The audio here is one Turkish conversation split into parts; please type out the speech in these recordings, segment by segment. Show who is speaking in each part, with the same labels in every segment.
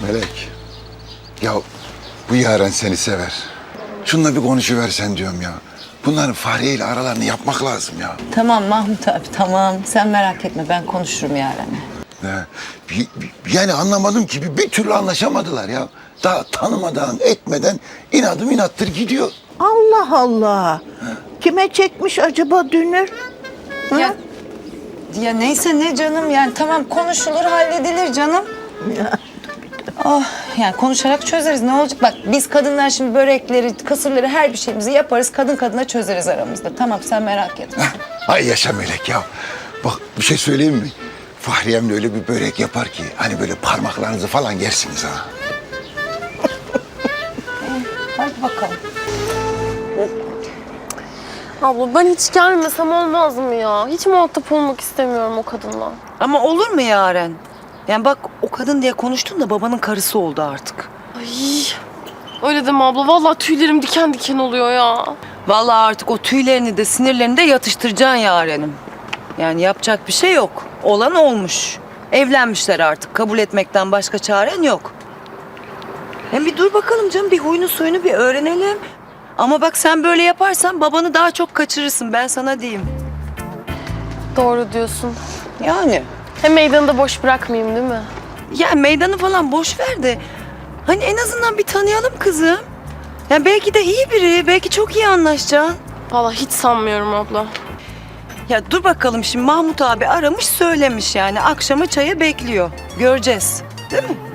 Speaker 1: Melek, ya bu Yaren seni sever. Şununla bir konuşuversen diyorum ya. Bunların Fahriye ile aralarını yapmak lazım ya.
Speaker 2: Tamam Mahmut abi tamam. Sen merak etme ben konuşurum Yaren'le.
Speaker 1: Yani anlamadım ki bir türlü anlaşamadılar ya. Daha tanımadan etmeden inadım inattır gidiyor.
Speaker 3: Allah Allah. Kime çekmiş acaba dünür?
Speaker 2: Ya neyse ne canım yani tamam konuşulur halledilir canım. Oh yani konuşarak çözeriz ne olacak? Bak biz kadınlar şimdi börekleri, kısırları her bir şeyimizi yaparız. Kadın kadına çözeriz aramızda. Tamam sen merak etme.
Speaker 1: Ay yaşa Melek ya. Bak bir şey söyleyeyim mi? Fahriyem de öyle bir börek yapar ki hani böyle parmaklarınızı falan yersiniz ha.
Speaker 2: Hadi bakalım.
Speaker 4: Abla ben hiç gelmesem olmaz mı ya? Hiç muhatap olmak istemiyorum o kadınla.
Speaker 2: Ama olur mu Yaren? Yani bak o kadın diye konuştun da babanın karısı oldu artık.
Speaker 4: Ay öyle deme abla. Vallahi tüylerim diken diken oluyor ya.
Speaker 2: Vallahi artık o tüylerini de sinirlerini de yatıştıracaksın Yaren'im. Yani yapacak bir şey yok. Olan olmuş. Evlenmişler artık. Kabul etmekten başka çaren yok. Hem bir dur bakalım canım. Bir huyunu suyunu bir öğrenelim. Ama bak sen böyle yaparsan babanı daha çok kaçırırsın. Ben sana diyeyim.
Speaker 4: Doğru diyorsun.
Speaker 2: Yani.
Speaker 4: Hem meydanı da boş bırakmayayım değil mi?
Speaker 2: Ya meydanı falan boş ver de. Hani en azından bir tanıyalım kızım. Ya belki de iyi biri. Belki çok iyi anlaşacaksın.
Speaker 4: Vallahi hiç sanmıyorum abla.
Speaker 2: Ya dur bakalım şimdi Mahmut abi aramış söylemiş yani. Akşama çaya bekliyor. Göreceğiz. Değil mi?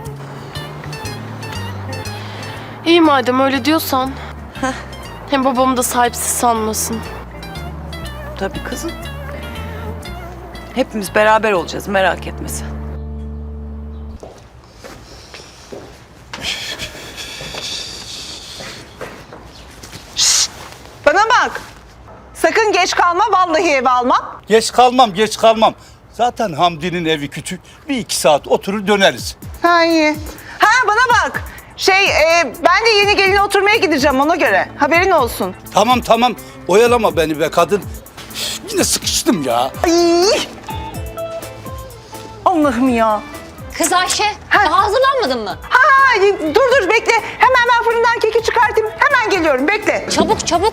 Speaker 4: İyi madem öyle diyorsan. Hem babamı da sahipsiz sanmasın.
Speaker 2: Tabii kızım. Hepimiz beraber olacağız merak etme sen.
Speaker 5: Şşt! Bana bak. Sakın geç kalma vallahi eve almam.
Speaker 6: Geç kalmam, geç kalmam. Zaten Hamdi'nin evi küçük. Bir iki saat oturur döneriz.
Speaker 5: Ha iyi. Ha bana bak. Ben de yeni gelin oturmaya gideceğim ona göre. Haberin olsun.
Speaker 6: Tamam tamam, oyalama beni be kadın. Üf, yine sıkıştım ya.
Speaker 5: Ay! Allah'ım ya.
Speaker 7: Kız Ayşe, daha hazırlanmadın mı?
Speaker 5: Ha dur bekle. Hemen ben fırından keki çıkartayım. Hemen geliyorum bekle.
Speaker 7: Çabuk çabuk.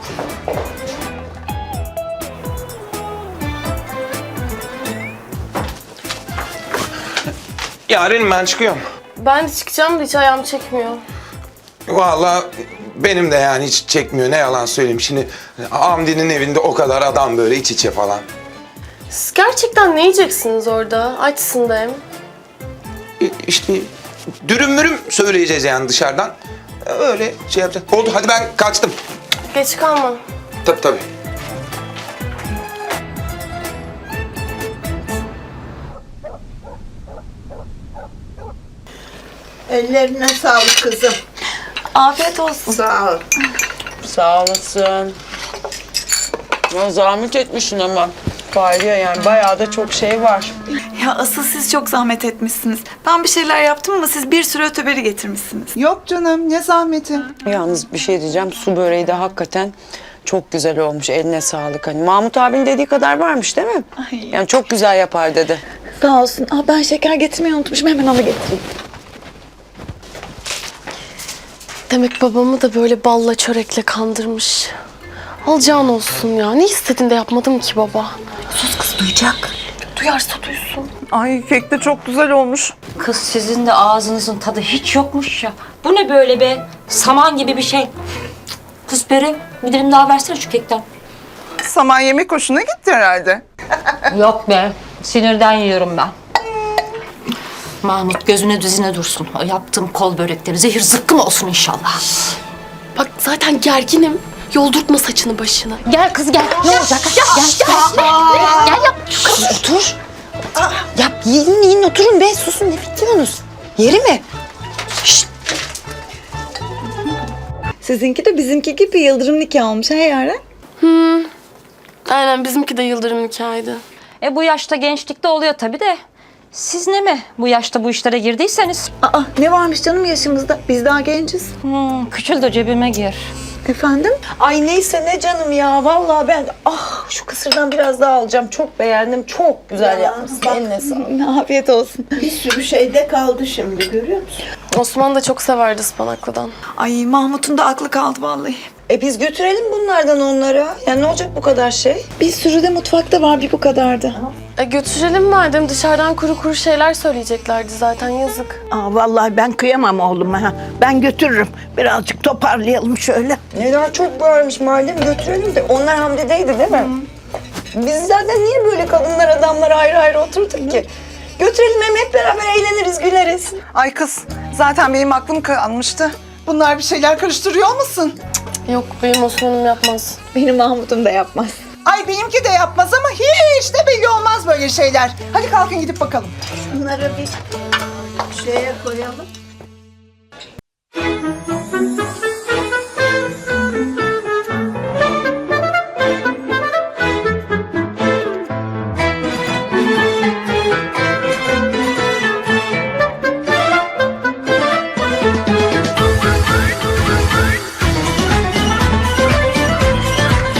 Speaker 8: Yarın ben çıkıyorum.
Speaker 4: Ben de çıkacağım da hiç ayağım çekmiyor.
Speaker 8: Vallahi benim de yani hiç çekmiyor ne yalan söyleyeyim. Şimdi Hamdi'nin evinde o kadar adam böyle iç içe falan.
Speaker 4: Siz gerçekten ne yiyeceksiniz orada? Açsın da hem.
Speaker 8: İşte dürüm mürüm söyleyeceğiz yani dışarıdan. Öyle şey yapacağız. Oldu hadi ben kaçtım.
Speaker 4: Geç kalma.
Speaker 8: Tabii.
Speaker 3: Ellerine sağlık kızım.
Speaker 2: Afiyet olsun.
Speaker 3: Sağ ol.
Speaker 2: Sağ olasın. Ya zahmet etmişsin ama. Fahriye yani bayağı da çok şey var.
Speaker 9: Ya asıl siz çok zahmet etmişsiniz. Ben bir şeyler yaptım ama siz bir sürü öteberi getirmişsiniz.
Speaker 3: Yok canım ne zahmeti.
Speaker 2: Yalnız bir şey diyeceğim. Su böreği de hakikaten çok güzel olmuş. Eline sağlık. Hani Mahmut abinin dediği kadar varmış değil mi?
Speaker 9: Ay.
Speaker 2: Yani çok güzel yapar dedi.
Speaker 9: Sağ olsun. Ben şeker getirmeyi unutmuşum. Hemen onu getireyim.
Speaker 4: Demek babamı da böyle balla çörekle kandırmış. Alacağın olsun ya. Ne istedin de yapmadım ki baba.
Speaker 9: Sus kız duyacak.
Speaker 4: Duyarsa duysun.
Speaker 3: Ay kek de çok güzel olmuş.
Speaker 7: Kız sizin de ağzınızın tadı hiç yokmuş ya. Bu ne böyle be? Saman gibi bir şey. Kız Peri, bir dilim daha versene şu kekten.
Speaker 5: Saman yemek hoşuna gitti herhalde.
Speaker 7: Yok be, sinirden yiyorum ben. Mahmut gözüne düzine dursun. O yaptığım kol börekleri zehir zıkkım olsun inşallah.
Speaker 4: Bak zaten gerginim. Yoldurtma saçını başını.
Speaker 7: Gel kız gel. Ne olacak? Gel yap.
Speaker 2: Kız otur. Yap yiyin oturun be. Susun ne bekliyorsunuz? Yeri mi? Şşt.
Speaker 9: Sizinki de bizimki gibi yıldırım nikahı olmuş ha Yaren?
Speaker 4: Aynen bizimki de yıldırım nikahıydı.
Speaker 7: Bu yaşta gençlikte oluyor tabii de. Siz ne mi bu yaşta bu işlere girdiyseniz?
Speaker 9: Ne varmış canım yaşımızda? Biz daha genciz.
Speaker 7: Küçül de cebime gir.
Speaker 5: Efendim?
Speaker 2: Ay neyse ne canım ya. Vallahi ben şu kısırdan biraz daha alacağım. Çok beğendim. Çok güzel yapmışsın. Eline sağlık.
Speaker 5: Afiyet olsun.
Speaker 3: Bir sürü şeyde kaldı şimdi, görüyor musun?
Speaker 4: Osman da çok severdi ıspanaklıdan.
Speaker 9: Ay Mahmut'un da aklı kaldı vallahi.
Speaker 2: Biz götürelim bunlardan onlara. Yani ne olacak bu kadar şey?
Speaker 9: Bir sürü de mutfakta var, bir bu kadardı.
Speaker 4: Götürelim madem, dışarıdan kuru kuru şeyler söyleyeceklerdi zaten, yazık.
Speaker 3: Vallahi ben kıyamam oğluma. Ha. Ben götürürüm. Birazcık toparlayalım şöyle.
Speaker 2: Neler çok varmış madem götürelim de. Onlar Hamdi'deydi değil mi? Biz zaten niye böyle kadınlar adamlar ayrı ayrı oturduk ki? Götürelim hem hep beraber eğleniriz, güleriz.
Speaker 5: Ay kız, zaten benim aklım kalmıştı. Bunlar bir şeyler karıştırıyor olmasın?
Speaker 4: Yok, benim Osman'ım yapmaz.
Speaker 5: Benim Mahmut'um da yapmaz. Ay benimki de yapmaz ama hiç de belli olmaz böyle şeyler. Hadi kalkın gidip bakalım.
Speaker 3: Bunları bir şeye koyalım.